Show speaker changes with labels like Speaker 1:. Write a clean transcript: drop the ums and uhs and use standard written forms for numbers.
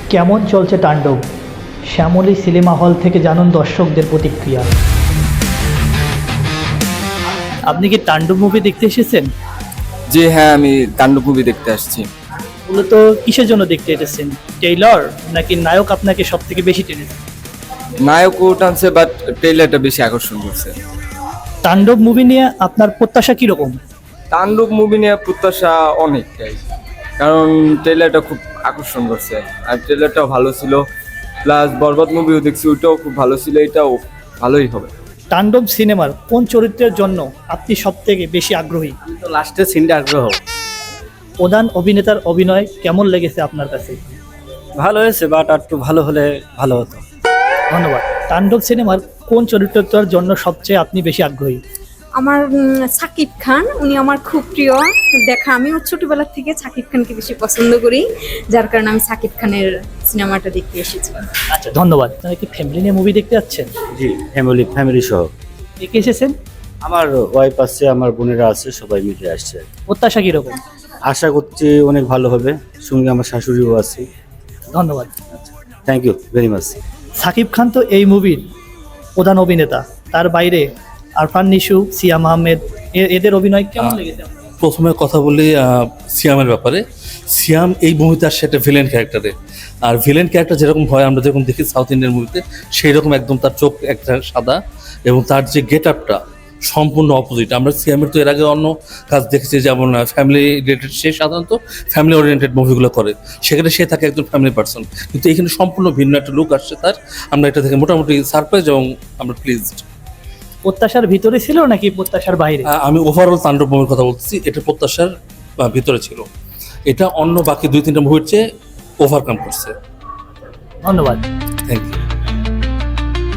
Speaker 1: কেমন চলছে তাণ্ডব? শ্যামলী সিনেমা হল থেকে জানুন দর্শকদের প্রতিক্রিয়া। আপনি কি তাণ্ডব মুভি দেখতে এসেছেন?
Speaker 2: জি হ্যাঁ, আমি তাণ্ডব মুভি দেখতে আসছি।
Speaker 1: মূলত কিসের জন্য দেখতে এসেছেন? টেইলর নাকি নায়ক আপনাকে সব থেকে বেশি টেনেছে?
Speaker 2: নায়কও টানছে, বাট ট্রেলারটা বেশি আকর্ষণ করছে।
Speaker 1: তাণ্ডব মুভি নিয়ে আপনার প্রত্যাশা কিরকম?
Speaker 2: তাণ্ডব মুভি নিয়ে প্রত্যাশা অনেকটাই, কারণ ট্রেলারটা খুব আকর্ষণ করছে আর ট্রেলারটাও ভালো ছিল। প্লাস বরবাদ মুভিও দেখছি, ওইটাও খুব ভালো ছিল, এটাও ভালোই হবে।
Speaker 1: তাণ্ডব সিনেমার কোন চরিত্রের জন্য আপনি সব থেকে বেশি আগ্রহী?
Speaker 3: তো লাস্টের সিনটা আগ্রহ।
Speaker 1: প্রধান অভিনেতার অভিনয় কেমন লেগেছে আপনার কাছে?
Speaker 3: ভালো হয়েছে, বাট আর একটু ভালো হলে ভালো হতো।
Speaker 1: ধন্যবাদ। তাণ্ডব সিনেমার কোন চরিত্রটার জন্য সবচেয়ে আপনি বেশি আগ্রহী?
Speaker 4: আমার সাকিব খান, উনি আমার খুব প্রিয় দেখা। আমিও ছোটবেলা থেকে সাকিব খানকে বেশি পছন্দ করি, যার কারণে আমি সাকিব খানের সিনেমাটা দেখতে এসেছি।
Speaker 1: আচ্ছা, ধন্যবাদ। আপনারা কি ফ্যামিলি নিয়ে মুভি দেখতে যাচ্ছেন?
Speaker 3: জি, ফ্যামিলি সহ।
Speaker 1: কে কে এসেছেন?
Speaker 3: আমার ওয়াইফ আছে, আমার বোনেরা আছে, সবাই মিলে আসছে।
Speaker 1: প্রত্যাশা কিরকম?
Speaker 3: আশা করছি অনেক ভালো হবে, সঙ্গে আমার শাশুড়িও আছে।
Speaker 1: ধন্যবাদ।
Speaker 3: Thank you very much.
Speaker 1: Shakib Khan তো এই মুভির প্রধান অভিনেতা, তার বাইরে আরফান নিশু, সিয়াম আহমেদ, এদের অভিনয় কেমন লেগেছে আপনার?
Speaker 5: প্রথমে কথা বলি সিয়ামের ব্যাপারে। সিয়াম এই মুভিতে আসছে একটা ভিলেন ক্যারেক্টারে, আর ভিলেন ক্যারেক্টার যেরকম হয় আমরা যেরকম দেখি সাউথ ইন্ডিয়ান মুভিতে, সেই রকম একদম তার চোখ একটা সাদা এবং তার যে গেট আপটা সম্পূর্ণ অপোজিট। আমরা সিয়ামের তো এর আগে অন্য কাজ দেখেছি, যেমন ফ্যামিলি রিলেটেড, সে সাধারণত ফ্যামিলি ওরিয়েন্টেড মুভিগুলো করে, সেখানে সে থাকে একজন ফ্যামিলি পার্সন, কিন্তু এখানে সম্পূর্ণ ভিন্ন একটা লুক আসছে তার। আমরা এটা থেকে মোটামুটি সারপ্রাইজ এবং আমরা প্লিজড।
Speaker 1: প্রত্যাশার ভিতরে ছিল নাকি প্রত্যাশার বাইরে?
Speaker 5: আমি ওভারঅল তাণ্ডব মুভির কথা বলতেছি, এটা প্রত্যাশার ভিতরে ছিল। এটা অন্য বাকি 2-3টা মুভির চেয়ে ওভারকাম করছে।
Speaker 1: ধন্যবাদ।
Speaker 5: Thank you.